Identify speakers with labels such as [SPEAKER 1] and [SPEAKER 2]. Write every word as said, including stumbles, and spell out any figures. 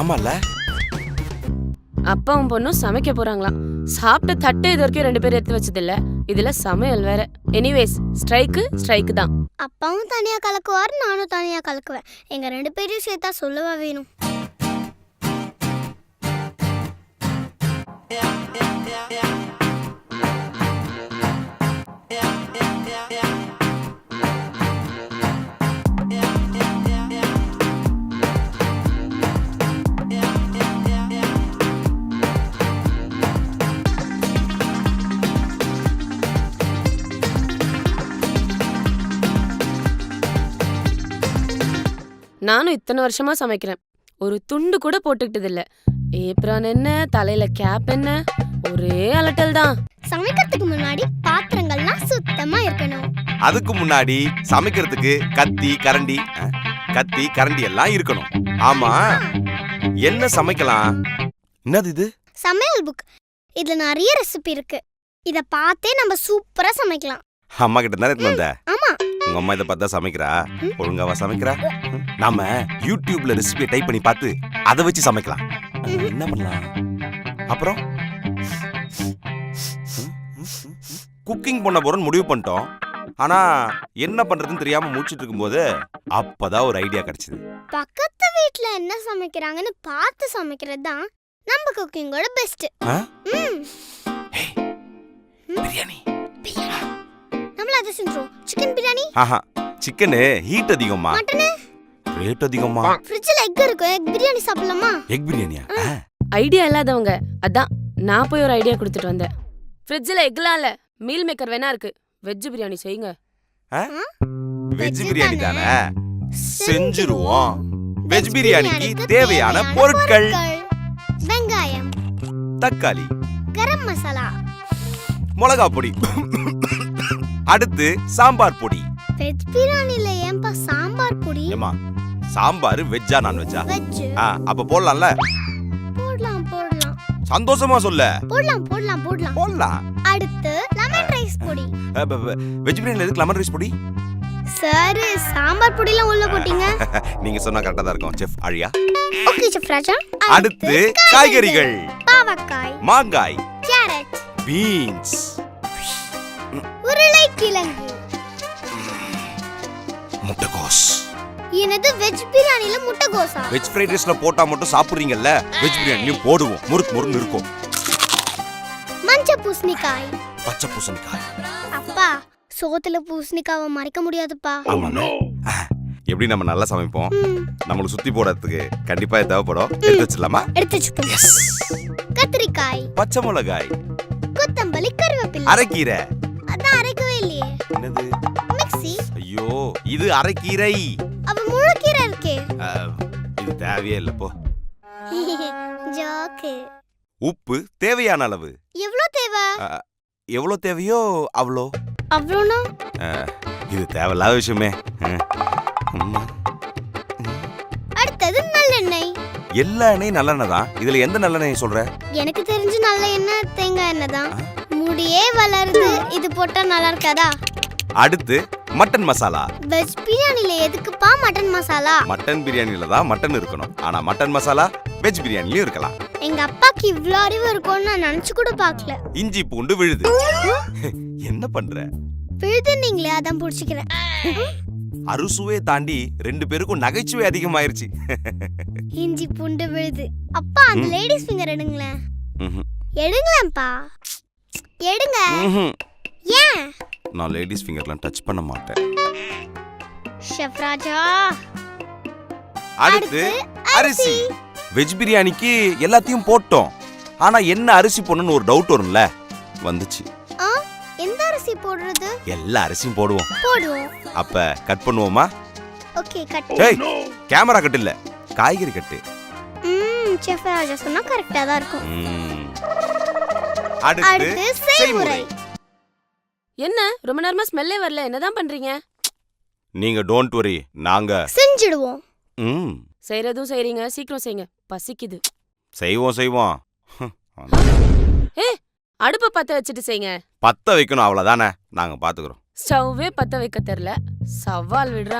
[SPEAKER 1] ஆமால.
[SPEAKER 2] அப்பாவும் பொண்ணும் சமைக்க போறாங்களாம். சாப்பிட்ட தட்டு இது வரைக்கும் ரெண்டு பேரும் எடுத்து வச்சது இல்ல. இதுல சமையல் வேற. எனிவேஸ் ஸ்ட்ரைக்கு ஸ்ட்ரைக்கு தான்.
[SPEAKER 3] அப்பாவும் தனியா கலக்குவார், நானும் தனியா கலக்குவேன். எங்க ரெண்டு பேரையும் சேர்த்தா சொல்லவா வேணும்.
[SPEAKER 2] நானும் இத்தனை வருஷமா சமைக்கிறேன். ஒரு துண்டு கூட போட்டுக்கிட்டது இல்ல. ஏப்ரான் என்ன, தலையில கேப் என்ன, ஒரே அலட்டல் தான்.
[SPEAKER 3] சமைக்கிறதுக்கு முன்னாடி பாத்திரங்கள்லாம் சுத்தமா இருக்கணும்.
[SPEAKER 1] அதுக்கு முன்னாடி சமைக்கிறதுக்கு கத்தி கரண்டி கத்தி கரண்டி எல்லாம் இருக்கணும். ஆமா, என்ன சமைக்கலாம்? என்னது இது?
[SPEAKER 3] சமையல் புக். இதுல நிறைய ரெசிபி இருக்கு. இத பார்த்தே நம்ம சூப்பரா சமைக்கலாம்.
[SPEAKER 1] அம்மா கிட்ட தானே எடுத்து வந்த?
[SPEAKER 3] ஆமா.
[SPEAKER 1] உங்க அம்மா இதை பார்த்தா சமைக்கிறா? ஒழுங்காவா சமைக்கிறா? நாம யூடியூப்ல ரெசிபியை டைப் பண்ணி பார்த்து அதை வச்சு சமைக்கலாம். என்ன பண்ணலாம்? அப்புறம் குக்கிங் பண்ண போறோம்னு முடிவு பண்ணிட்டோம். ஆனா என்ன பண்றதுன்னு தெரியாம முடிச்சிட்டு இருக்கும்போது அப்பதான் ஒரு ஐடியா கிடைச்சது.
[SPEAKER 3] பக்கத்து வீட்ல என்ன சமைக்கிறாங்கன்னு பார்த்து சமைக்கிறது தான் நம்ம குக்கிங்கோட பெஸ்ட்.
[SPEAKER 1] பிரியாணி.
[SPEAKER 3] நம்மள அத செஞ்சோம். சிக்கன் பிரியாணி.
[SPEAKER 1] ஆஹா, சிக்கன் ஹீட் அதிகமா,
[SPEAKER 3] மட்டன்
[SPEAKER 1] ரேட் அதிகமா.
[SPEAKER 3] ஃப்ரிட்ஜ்ல எக் இருக்கு. எக் பிரியாணி சாப்பிடலாமா?
[SPEAKER 1] எக் பிரியாணியா?
[SPEAKER 2] ஐடியா இல்லாதவங்க அதான் நான் போய் ஒரு ஐடியா கொடுத்துட்டு வந்தேன். ஃப்ரிட்ஜ்ல எக்லாம் இல்ல, மீல் மேக்கர் வேணா இருக்கு. வெஜ் பிரியாணி செய்யுங்க.
[SPEAKER 1] வெஜ் பிரியாணி தானே, செஞ்சிருவோம். வெஜ் பிரியாணிக்கு தேவையான பொருட்கள்:
[SPEAKER 3] வெங்காயம்,
[SPEAKER 1] தக்காளி,
[SPEAKER 3] கரம் மசாலா,
[SPEAKER 1] மிளகாய் பொடி, அடுத்து சாம்பார் பொடி.
[SPEAKER 3] வெஜ் பிரியாணில ஏன்பா சாம்பார் பொடி?
[SPEAKER 1] ஏமா, சாம்பார் வெஜ்ஜா நான் வெஜ்ஜா?
[SPEAKER 3] வெஜ்.
[SPEAKER 1] அப்ப போடலாம்ல?
[SPEAKER 3] போடலாம் போடலாம்.
[SPEAKER 1] சந்தோஷமா சொல்ல.
[SPEAKER 3] போடலாம் போடலாம் போடலாம்
[SPEAKER 1] போடலாம்.
[SPEAKER 3] அடுத்து லெமன் ரைஸ் பொடி.
[SPEAKER 1] வெஜ் பிரியாணில எதுக்கு லெமன் ரைஸ் பொடி?
[SPEAKER 3] சார், சாம்பார் பொடிலாம் உள்ள போட்டீங்க.
[SPEAKER 1] நீங்க சொன்னா கரெக்ட்டா தான் இருக்கும் செஃப் அழியா.
[SPEAKER 3] Okay chef Raja.
[SPEAKER 1] அடுத்து காய்கறிகள்:
[SPEAKER 3] பாவக்காய்,
[SPEAKER 1] மாங்காய்,
[SPEAKER 3] கேரட்,
[SPEAKER 1] பீன்ஸ்,
[SPEAKER 3] உருளைக்கிழங்கு,
[SPEAKER 1] முட்டைகோஸ்.
[SPEAKER 3] என்னது வெஜ் பிரியாணில முட்டைகோஸா?
[SPEAKER 1] வெஜ் ஃப்ரைட் ரைஸ்ல போட்டா மட்டும் சாப்பிடுறீங்கல்ல, வெஜ் பிரியாணிலயும் போடுவோம். முறுக்கு முறுக்கு இருக்கும்.
[SPEAKER 3] மஞ்சள் பூசணிக்காய்,
[SPEAKER 1] பச்சை பூசணிக்காய்.
[SPEAKER 3] அப்பா, சோத்துல பூசணிக்காவை மறைக்க முடியாதுப்பா.
[SPEAKER 1] ஆமாண்ணே. எப்படி நம்ம நல்லா சமைப்போம். நம்மளுக்கு சுத்தி போடுறதுக்கு கண்டிப்பா தேவைப்படும். எடுத்து வச்சிடலாமா?
[SPEAKER 3] எடுத்து வச்சுக்கோ.
[SPEAKER 1] எஸ்.
[SPEAKER 3] கத்திரிக்காய்,
[SPEAKER 1] பச்சை மிளகாய்,
[SPEAKER 3] கொத்தமல்லி, கருவேப்பிலை.
[SPEAKER 1] அரைக்கீரை.
[SPEAKER 3] அதான் அரைக்கவே இல்லையே.
[SPEAKER 1] என்னது?
[SPEAKER 3] மிக்ஸி.
[SPEAKER 1] ஐயோ, இது அரைக்கீரை.
[SPEAKER 3] அப்ப முழுக்கீரை இருக்கே.
[SPEAKER 1] இது தேவையே இல்ல போ.
[SPEAKER 3] ஜோக்கு.
[SPEAKER 1] உப்பு தேவையான அளவு.
[SPEAKER 3] எவ்வளவு தேவை?
[SPEAKER 1] எவ்வளவு தேவையோ அவ்வளோ.
[SPEAKER 3] அவ்வளோனா?
[SPEAKER 1] இது தேவையில்லாத விஷயமே.
[SPEAKER 3] அடுத்தது நல்லெண்ணெய்.
[SPEAKER 1] எல்லா எண்ணெயும் நல்லெண்ணெய் தான். இதுல எந்த நல்லெண்ணெய் சொல்ற?
[SPEAKER 3] எனக்கு தெரிஞ்சு நல்ல எண்ணெய் தேங்காய் எண்ணெய் தான். முடியே வளருது. இது போட்டா நல்லா இருக்காதா?
[SPEAKER 1] அடுத்து மட்டன் மசாலா.
[SPEAKER 3] வெஜ் பிரியாணில எதுக்குப்பா மட்டன் மசாலா?
[SPEAKER 1] மட்டன் பிரியாணில தான் மட்டன் இருக்கணும். ஆனா மட்டன் மசாலா வெஜ் பிரியாணிலயும் இருக்கலாம்.
[SPEAKER 3] எங்க அப்பாக்கு இவ்ளோ அறிவு இருக்கும்னு நான் நினைச்சு கூட பார்க்கல.
[SPEAKER 1] இஞ்சி பூண்டு விழுது. என்ன பண்ற?
[SPEAKER 3] விழுது நீங்களே அதான் புடிச்சிக்கிறேன்.
[SPEAKER 1] அறுசுவையை தாண்டி ரெண்டு பேருக்கும் நகைச்சுவை அதிகமாயிருச்சு.
[SPEAKER 3] இஞ்சி பூண்டு விழுது. அப்பா, அந்த லேடிஸ் ஃபிங்கர் எடுங்களேன். எடுங்களேன்ப்பா, எடுங்க. ஏன்?
[SPEAKER 1] நான் லேடிஸ் ஃபிங்கர்லாம் டச் பண்ண மாட்டேன்.
[SPEAKER 3] ஷெஃப் ராஜா.
[SPEAKER 1] அடுத்து அரிசி. வெஜ் பிரியாணிக்கு எல்லாத்தையும் போட்டோம். ஆனா என்ன அரிசி போடணும்னு ஒரு டவுட் வரும்ல, வந்துச்சு.
[SPEAKER 3] எந்த அரிசி போடுறது?
[SPEAKER 1] எல்லா அரிசியும் போடுவோம்.
[SPEAKER 3] போடுவோம்.
[SPEAKER 1] அப்ப கட் பண்ணுவோமா?
[SPEAKER 3] Okay, cut.
[SPEAKER 1] ஏய், கேமரா கட் இல்ல, காய்கறி கட்டு.
[SPEAKER 3] ம், ஷெஃப் ராஜா சொன்னா கரெக்ட்டா தான் இருக்கும்.
[SPEAKER 1] அடுத்து செய்முறை.
[SPEAKER 2] என்ன ரொம்ப நேரமா ஸ்மெல்லே வரல, என்னதான் பண்றீங்க?
[SPEAKER 1] நீங்க டோன்ட் வரி, நாங்க
[SPEAKER 3] செஞ்சிடுவோம்.
[SPEAKER 1] ம்,
[SPEAKER 2] செய்யறதும் செய்றீங்க, சீக்கிரம் செய்யுங்க, பசிக்குது.
[SPEAKER 1] செய்வோம் செய்வோம்.
[SPEAKER 2] ஏ, அடுப்ப பத்த வச்சுட்டு செய்யுங்க.
[SPEAKER 1] பத்த வைக்கணும், அவ்வளவுதானே, நாங்க பாத்துக்கிறோம்.
[SPEAKER 2] ஸ்டவ்வே பத்த வைக்க தெரியல, சவால் விடுற.